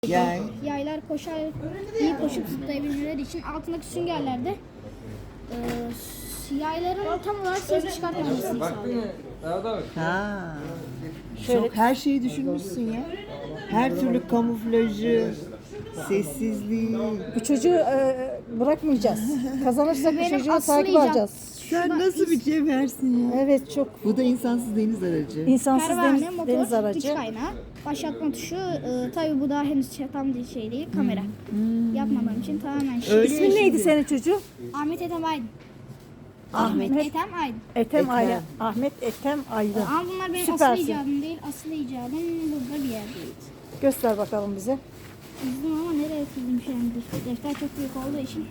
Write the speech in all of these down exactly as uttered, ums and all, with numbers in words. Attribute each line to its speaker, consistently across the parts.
Speaker 1: Yay.
Speaker 2: Yaylar koşar, iyi koşup zıplayabilmeleri için altındaki süngerlerde e, yayların tam olarak ses çıkartmamasını sağlıyor.
Speaker 1: Ha. Çok her şeyi düşünmüşsün ya. Her türlü kamuflajı, sessizliği.
Speaker 3: Bu çocuğu e, bırakmayacağız. Kazanırsak bu
Speaker 2: Benim
Speaker 3: çocuğu
Speaker 2: asıl
Speaker 3: takip
Speaker 2: icat.
Speaker 3: alacağız.
Speaker 1: Sen nasıl bir cevhersin ya?
Speaker 3: Evet, çok
Speaker 1: Bu da insansız deniz aracı.
Speaker 3: insansız
Speaker 2: Pervane,
Speaker 3: deniz,
Speaker 2: motor,
Speaker 3: deniz
Speaker 2: güç
Speaker 3: aracı.
Speaker 2: kaynağı, başlatma tuşu. E, tabii bu daha henüz tam bir şey değil, kamera. Yapmadığım için tamamen şey.
Speaker 1: Öyle
Speaker 3: İsmin neydi
Speaker 1: şimdi.
Speaker 3: senin çocuğu?
Speaker 2: Ahmet Ethem Aydın.
Speaker 3: Ahmet.
Speaker 2: Ethem Aydın.
Speaker 3: Ethem
Speaker 1: Ekrem.
Speaker 3: Aydın. Ahmet Ethem Aydın.
Speaker 2: Ama bunlar benim
Speaker 3: Süpersin.
Speaker 2: asıl icadım değil. Asıl icadım burada bir yerdeydi.
Speaker 3: Göster bakalım bize.
Speaker 2: Çizdim ama nereye çizdim şu an? Defter çok büyük olduğu için.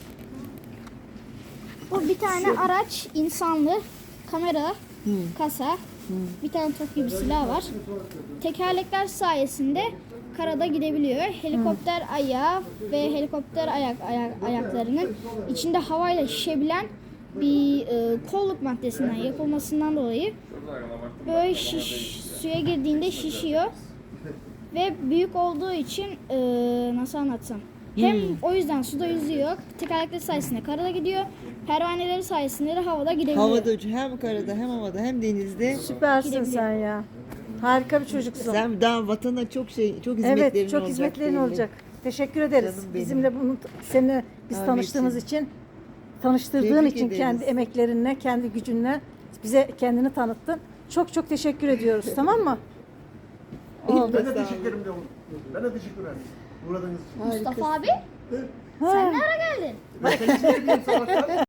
Speaker 2: Bu bir tane araç, insanlı, kamera, kasa, bir tane top gibi silah var. Tekerlekler sayesinde karada gidebiliyor. Helikopter ayağı ve helikopter ayak, ayak ayaklarının içinde havayla şişebilen bir e, kolluk maddesinden yapılmasından dolayı böyle şiş, suya girdiğinde şişiyor. Ve büyük olduğu için e, nasıl anlatsam? Hem o yüzden suda yüzüyor, tekerlekleri sayesinde karada gidiyor, pervaneleri sayesinde de havada gidebiliyor.
Speaker 1: Havada uç hem karada hem havada hem denizde.
Speaker 3: Süpersin
Speaker 2: Gidebilirim.
Speaker 3: sen ya. Harika bir çocuksun.
Speaker 1: Sen daha vatana çok şey, çok hizmetlerin
Speaker 3: Evet, çok
Speaker 1: olacak.
Speaker 3: hizmetlerin
Speaker 1: belli.
Speaker 3: olacak. Teşekkür ederiz.
Speaker 1: Canım benim.
Speaker 3: Bizimle bunu seninle biz
Speaker 1: Ahmetciğim.
Speaker 3: tanıştığımız için, tanıştırdığın
Speaker 1: Tebrik
Speaker 3: için
Speaker 1: ederiz.
Speaker 3: kendi emeklerinle, kendi gücünle bize kendini tanıttın. Çok çok teşekkür ediyoruz. Tamam mı? Oldu.
Speaker 4: Ben de teşekkür ederim diyorum. Ben de teşekkür ederim. Uğradığınız için.
Speaker 2: Mustafa abi,
Speaker 3: Ha.
Speaker 2: sen ne ara geldin?
Speaker 4: Ben seni izliyorum sabahtan.